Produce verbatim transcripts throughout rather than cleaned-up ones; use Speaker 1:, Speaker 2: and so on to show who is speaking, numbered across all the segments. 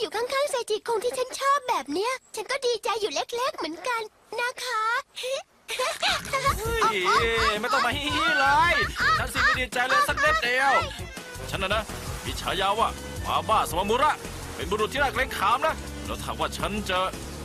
Speaker 1: อยู่ข้างๆเซจิคงที่ฉันชอบแบบเนี้ย ฉันก็ดีใจอยู่เล็กๆเหมือนกันนะคะ
Speaker 2: เฮ้ยไม่ต้องมาฮี้เลยฉันสิไม่ดีใจเลยสักนิดเดียว ฉันนะนะมีฉายาว่าหมาบ้าสวามุระ เป็นบุรุษที่น่าเกรงขามนะแล้วถามว่าฉันจะ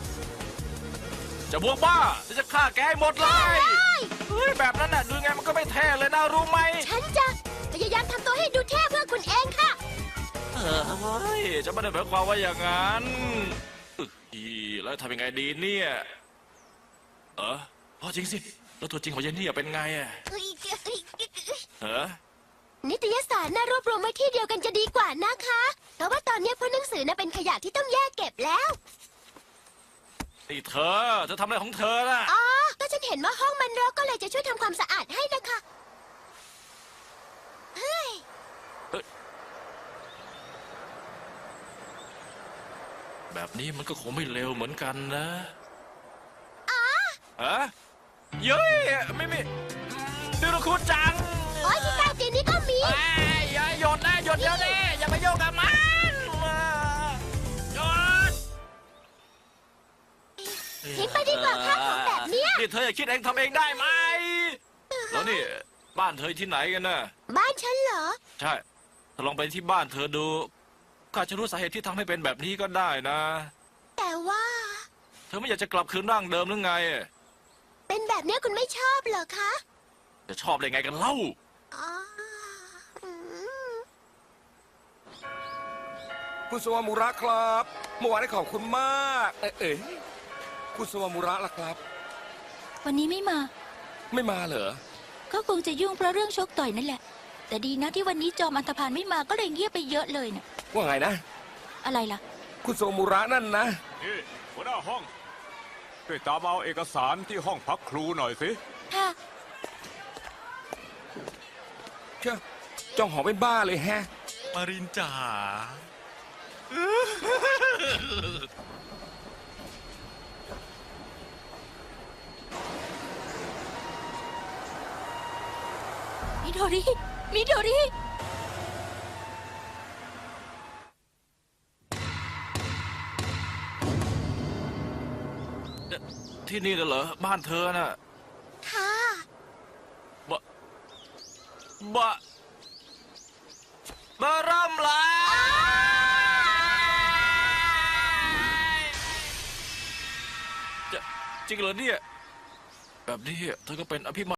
Speaker 2: จะบวกบ้าจะฆ่าแกให้หมดเลยเฮ้ยแบบนั้นน่ะดูไงมันก็ไม่เท่เลยนะรู้ไหม
Speaker 1: ฉันจะพยายามทำตัวให้ดูเท่เพื่อคุณเองค่ะ
Speaker 2: เออเฮ้ยจะไม่ได้หมายความว่าอย่างนั้นอีแล้วทำยังไงดีเนี่ยเอออ๋อจริงสิแล้วตัวจริงของเยนนี่เป็นไงอะเออ
Speaker 1: นิตยสารน่ารวบรวมไว้ที่เดียวกันจะดีกว่านะคะ เพราะว่าตอนนี้พวกหนังสือน่ะเป็นขยะที่ต้องแยกเก็บแล้ว
Speaker 2: นี่เธอจะทำอะไรของเธอน่ะ
Speaker 1: อ๋อ ก็ฉันเห็นว่าห้องมันรกก็เลยจะช่วยทำความสะอาดให้นะคะ เฮ้ย
Speaker 2: แบบนี้มันก็คงไม่เร็วเหมือนกันนะฮะเย้ยไม่มีดูนะคุณจัง
Speaker 1: โอ๊ยที่ใต้เตียงนี้ก็มี
Speaker 2: เอ้ยอย่าหยดนะหยดเดี๋ยวนี้อย่าไปโยกกับมันหยด
Speaker 1: ทิ้งไปดีกว่าค่ะของแบบเนี้ย
Speaker 2: นี่เธออย่าคิดเองทำเองได้ไหมแล้วนี่บ้านเธอที่ไหนกันน่ะ
Speaker 1: บ้านฉันเหรอ
Speaker 2: ใช่ถ้าลองไปที่บ้านเธอดูก็อาจจะรู้สาเหตุที่ทำให้เป็นแบบนี้ก็ได้นะ
Speaker 1: แต่ว่า
Speaker 2: เธอไม่อยากจะกลับคืนร่างเดิมหรือไง
Speaker 1: เป็นแบบเนี้ยคุณไม่ชอบเหรอคะ
Speaker 2: จะชอบได้ไงกันเล่า
Speaker 1: อ๋ออืม
Speaker 3: คุณสวามุระครับเมื่อวานนี้ขอบคุณมาก เอ๊ะเอ๋คุณสวามุระล่ะครับ
Speaker 4: วันนี้ไม่มา
Speaker 3: ไม่มาเหรอ
Speaker 4: ก็คงจะยุ่งเพราะเรื่องชกต่อยนั่นแหละ แต่ดีนะที่วันนี้จอมอันธพาลไม่มาก็เลยเงียบไปเยอะเลยน่ะ
Speaker 3: ว่าไงนะ
Speaker 4: อะไรล่ะ
Speaker 3: คุณสวามุระนั่นนะ
Speaker 5: นี่หัวหน้าห้องช่วยตามเอาเอกสารที่ห้องพักครูหน่อยสิ
Speaker 4: ค่ะ
Speaker 3: เชื่อจ้องหองเป็นบ้าเลยแฮะ
Speaker 2: มารินจ๋า
Speaker 4: มิโดริ มิโดริ
Speaker 2: ที่นี่น่ะเหรอบ้านเธอน่ะ
Speaker 1: ค่ะ
Speaker 2: บะบะบะร่ำลายจะจริงเหรอเนี่ย แบบนี้เธอก็เป็นอภิม